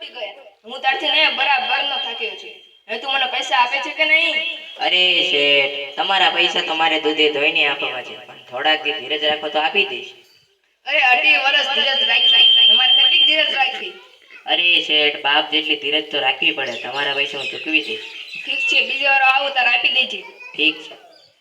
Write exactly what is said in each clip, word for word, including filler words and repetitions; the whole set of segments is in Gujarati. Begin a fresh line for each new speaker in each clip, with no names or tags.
તૂટી ગયા. હું તારથી ને બરાબર નો થાક્યો છું. હવે તું મને પૈસા આપે છે કે નહીં?
અરે શેઠ, તમારા પૈસા તો મારે દૂધે ધોઈને આપવા છે, પણ થોડાક દી ધીરજ રાખો તો આપી દઈશ.
અરે અઢી વર્ષ ધીરજ રાખી, તમારે કેટલીક ધીરજ રાખી?
અરે શેઠ, બાપ જેટલી ધીરજ તો રાખવી પડે. તમારા પૈસા હું ચૂકવી દઈશ.
ઠીક છે, બીજી વાર આવું તાર આપી દેજે.
ઠીક છે.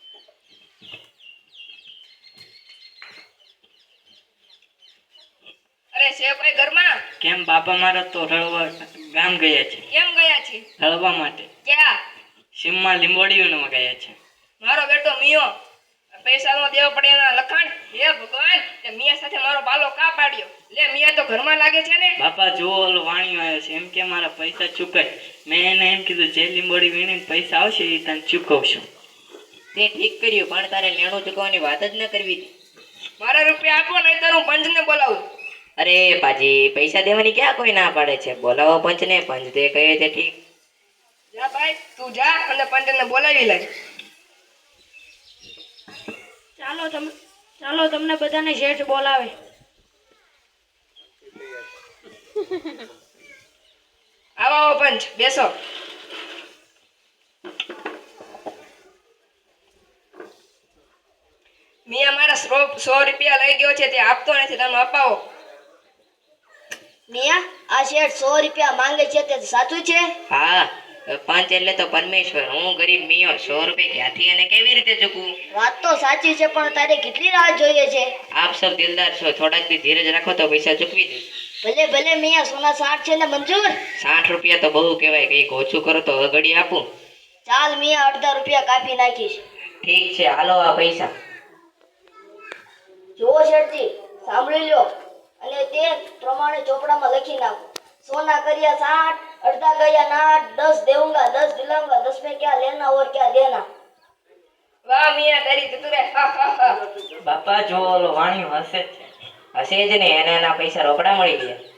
અરે છે કોઈ ઘરમાં?
કેમ બાપા મારા તો રળવા ગામ ગયા છે.
કેમ ગયા છે?
રળવા માટે.
ક્યાં?
સીમમાં લીંબોડીઓમાં ગયા છે.
મારો બેટો મિયો પૈસા નો દેવો પડે એના લખાણ. હે ભગવાન, તે મિયા સાથે મારો બાલો કા પાડ્યો? લે મિયા તો ઘરમાં લાગે છે ને.
બાપા જો ઓલો વાણિયો આવ્યો છે, એમ કે મારા પૈસા ચૂકાય. મેં એને એમ કીધું જે લીંબોડી વીણીને પૈસા આવશે એ તને ચૂકવશું.
તે ઠીક કર્યું, પણ તારે લેણું ચૂકવવાની વાત જ ન કરવી હતી.
મારા રૂપિયા આપો નહીં તો હું પંચને બોલાવું.
અરે પાજી, પૈસા દેવાની ક્યાં કોઈ ના પાડે છે? બોલાવો પંચને, પંચ તે કહે તે ઠીક.
જા ભાઈ, તું જા અને પંચને બોલાવી લે.
ચાલો તમે ચાલો તમને બધાને શેઠ બોલાવે.
આવો આવો પંચ, બેસો. મિયા મારા સો સો રૂપિયા લઈ ગયો છે, તે આપતો નથી, તમે અપાવો.
મિયા, આ શેઠ સો રૂપિયા માંગે છે તે સાચું છે?
હા, પંચ એટલે તો પરમેશ્વર. હું ગરીબ મિયો સો રૂપિયા ક્યાંથી અને કેવી રીતે ચૂકવું?
વાત તો સાચી છે, પણ તારે કેટલી રાહ જોઈએ છે?
આપ સૌ દિલદાર છો, થોડાક દી ધીરજ રાખો તો પૈસા ચૂકવી દઈશ.
ભલે ભલે મિયા, સોના સાઠ છે ને મંજૂર?
સાઠ રૂપિયા તો બહુ કહેવાય, કંઈક ઓછું કરો તો અગડી આપું.
ચાલ મિયા, અડધા રૂપિયા કાપી નાખીશ.
ઠીક છે, હાલો આ પૈસા.
જુઓ શેઠજી, સાંભળી લ્યો અને તે પ્રમાણે ચોપડામાં લખી નાખો. સોના કર્યા સાઠ, અડધા ગયા નાઠ, દસ દેઉંગા, દસ દિલાऊंगा, दस में क्या लेना और क्या देना.
વાહ મિયા, તારી ચતુરે. હા હા હા.
બાપા જો ઓલો વાણિયો હશે જ છે.
હશે જ ને, એને એના પૈસા રોકડા મળી ગયા.